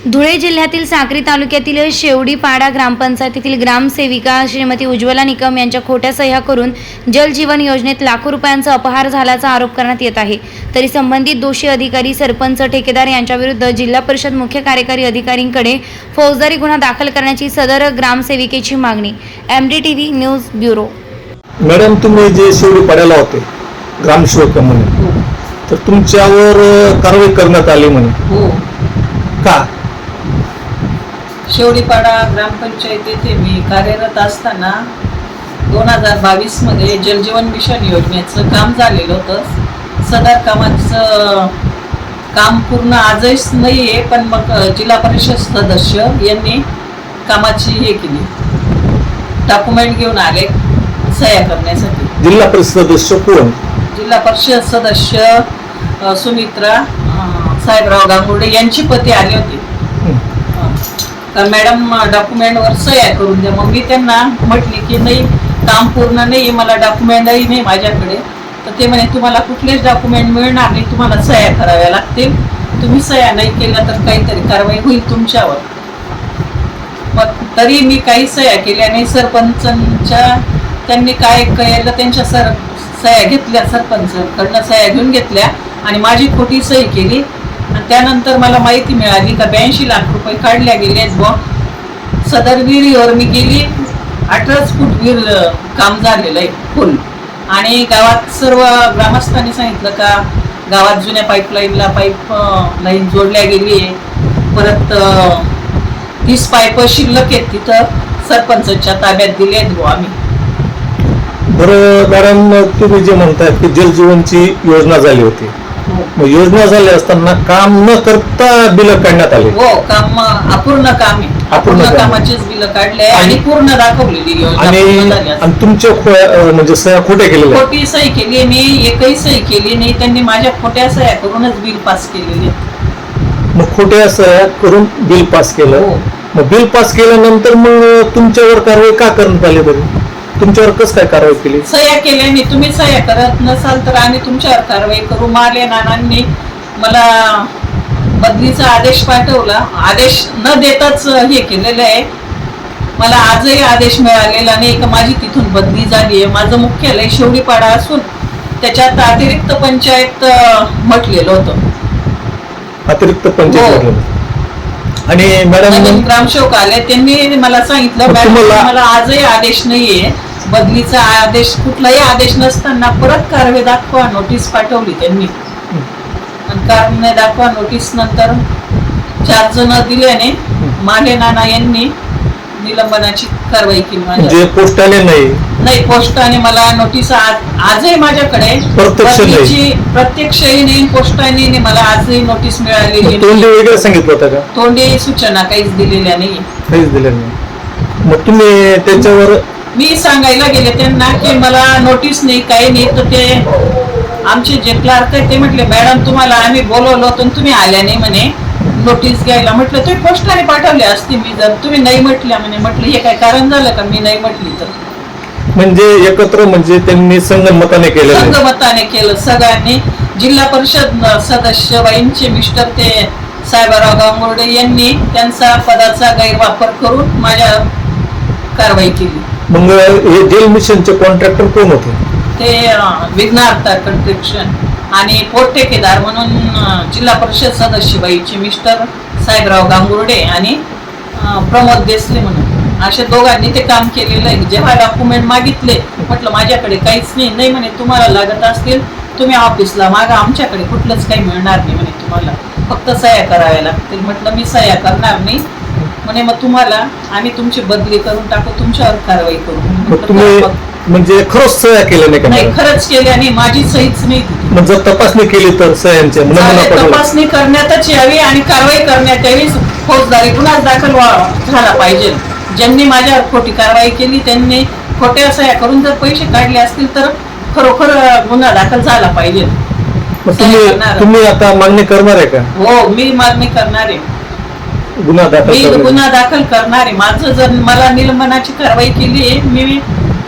धुळे जिल्ह्यातील साक्री तालुक्यातील शेवडीपाडा ग्रामपंचायतीतील ग्रामसेविका श्रीमती उज्ज्वला निकम यांच्या खोट्या सह्या करून जल जीवन योजनेत लाखो रुपयांचा अपहार झाल्याचा आरोप करण्यात येत आहे। तरी संबंधित दोषी अधिकारी, सरपंच, ठेकेदार यांच्याविरुद्ध जिल्हा परिषद मुख्य कार्यकारी अधिकाऱ्यांकडे फौजदारी गुन्हा दाखल करण्याची सदर ग्रामसेविकेची मागणी। MDTV news bureau. मॅडम, तुम्ही जे शेवडीपाड्याला होते ग्रामसेवक म्हणून, तर तुमच्यावर कारवाई करण्यात आली म्हणे, हो का? शेवडीपाडा ग्रामपंचायत येथे मी कार्यरत असताना 2022 मध्ये जलजीवन मिशन योजनेचं काम झालेलं होतं। सदर कामाचं काम पूर्ण आजच नाही आहे, पण मग जिल्हा परिषद सदस्य यांनी कामाची हे केली, डॉक्युमेंट घेऊन आले सह्या करण्यासाठी। जिल्हा परिषद सदस्य कोण? जिल्हा परिषद सदस्य सुमित्रा साहेबराव गांगुर्डे यांची पती आली होती। तर मॅडम डॉक्युमेंटवर सह्या करून द्या। मग मी त्यांना म्हटली की नाही, काम पूर्ण नाही, मला डॉक्युमेंटही नाही माझ्याकडे। तर ते म्हणे तुम्हाला कुठलेच डॉक्युमेंट मिळणार नाही, तुम्हाला सह्या कराव्या लागतील, तुम्ही सह्या नाही केल्या तर काहीतरी कारवाई होईल तुमच्यावर। मग तरी मी काही सह्या केल्या नाही। सरपंचांच्या त्यांनी काय केलं, त्यांच्या सह्या घेतल्या, सरपंचांकडनं सह्या घेऊन घेतल्या आणि माझी खोटी सही केली। आणि त्यानंतर मला माहिती मिळाली का 82 लाख रुपये काढल्या गेले आहेत बुवा। सदर विहिरीवर मी गेली, 18 फूट विहीर काम झालेलं आहे फुल। आणि गावात सर्व ग्रामस्थांनी सांगितलं का गावात जुन्या पाईपलाईनला लाईन जोडल्या गेली आहे, परत 30 पाईप शिल्लक आहेत तिथं सरपंचाच्या ताब्यात दिले आहेत बुवा आम्ही। बरं मॅडम, तुम्ही जे म्हणताय की जलजीवनची योजना झाली होती, मग योजना झाली असताना काम न करता बिल काढण्यात आले? हो, काम अपूर्ण काम आहे, अपूर्ण कामाचेच बिल काढले आणि पूर्ण दाखवलेली योजना झाली। आणि तुमच्या म्हणजे सह्या खोट्या केलेल्या? खोटी सही केली, मी एकही सही केली नाही, त्यांनी माझ्या खोट्या सह्या करूनच बिल पास केलेले। मग खोट्या सह्या करून बिल पास केलं? हो। मग बिल पास केल्यानंतर मग तुमच्यावर कारवाई का करण्यात आली? बरं, तुमच्यावर कसं काय कारवाई केली? सह्या केल्याने तुम्ही सह्या करत नसाल तर आम्ही तुमच्यावर कारवाई करू। माले नानांनी मला बदलीचा आदेश पाठवला, आदेश न देताच हे केलेलं आहे। मला आजही आदेश मिळालेला नाही का माझी तिथून बदली झाली आहे। माझं मुख्यालय शेवडीपाडा असून त्याच्यात अतिरिक्त पंचायत म्हटलेलं होतं। अतिरिक्त पंचायत? आणि मॅडम ग्रामसेवक आले, त्यांनी मला सांगितलं मॅडम मला आजही आदेश नाहीये बदलीचा आदेश, कुठलाही आदेश नसताना परत कारवाई दाखवा नोटीस पाठवली त्यांनी। आणि कारवाई दाखवा नोटीस नंतर 4 जण दिल्याने माले नाना यांनी निलंबनाची कारवाई केली। म्हणजे पोस्टाने नाही, पोस्टाने मला नोटीस आजही माझ्याकडे प्रत्यक्षही नाही, पोस्टाने नाही, मला आजही नोटीस मिळालेली। तोंडी वगैरे सांगितलं होतं का? तोंडी सूचना काहीच दिलेल्या नाही, काहीच दिल्या नाही। मग तुम्ही त्याच्यावर? मी सांगायला गेले त्यांना की मला नोटीस नाही, काही नाही। तर ते आमचे जे क्लार्क आहे ते म्हटले मॅडम तुम्हाला आम्ही बोलवलं होतं तुम्ही आल्या नाही म्हणे नोटीस घ्यायला। म्हटलं तुम्ही पोस्टाने पाठवले असते मी जर तुम्ही नाही म्हटल्या म्हणे। म्हटलं हे काय कारण झालं का मी नाही म्हटली तर? म्हणजे एकत्र म्हणजे त्यांनी संगमताने केलं? संगमताने केलं सगळ्यांनी। जिल्हा परिषद सदस्य बाईंचे मिस्टर ते साहेबराव गांगुर्डे यांनी त्यांचा पदाचा गैरवापर करून माझ्या कारवाई केली। मग हे जल मिशनचे कॉन्ट्रॅक्टर कोण होते? ते विघ्नार्था कन्स्ट्रक्शन आणि पोट ठेकेदार म्हणून जिल्हा परिषद सदस्य बाईचे मिस्टर साहेबराव गांगुर्डे आणि प्रमोद देसले म्हणून, अशा दोघांनी ते काम केलेलं आहे। जेव्हा डॉक्युमेंट मागितले म्हटलं माझ्याकडे काहीच नाही म्हणे, तुम्हाला लागत असतील तुम्ही ऑफिसला मागा, आमच्याकडे कुठलंच काही मिळणार नाही म्हणे, तुम्हाला फक्त सह्या कराव्या लागतील। म्हटलं मी सह्या करणार नाही म्हणे, मग तुम्हाला आम्ही तुमची बदली करून टाकू, तुमच्यावर कारवाई करू। म्हणजे खरंच सह्या केल्या नाही? खरंच केल्या नाही, माझी सहीच नाही तिथे। मग जर तपासणी केली तर सह्यांची तपासणी करण्यातच यावी आणि कारवाई करण्यात यावी, फौजदारी गुन्हा दाखल झाला पाहिजे। ज्यांनी माझ्यावर खोटी कारवाई केली त्यांनी खोट्या सह्या करून जर पैसे काढले असतील तर खरोखर गुन्हा दाखल झाला पाहिजे। तुम्ही आता मागणी करणार आहे का? हो, मी मागणी करणार आहे, गुन्हा दाखल करणार आहे। माझं जर मला निलंबनाची कारवाई केली आहे, मी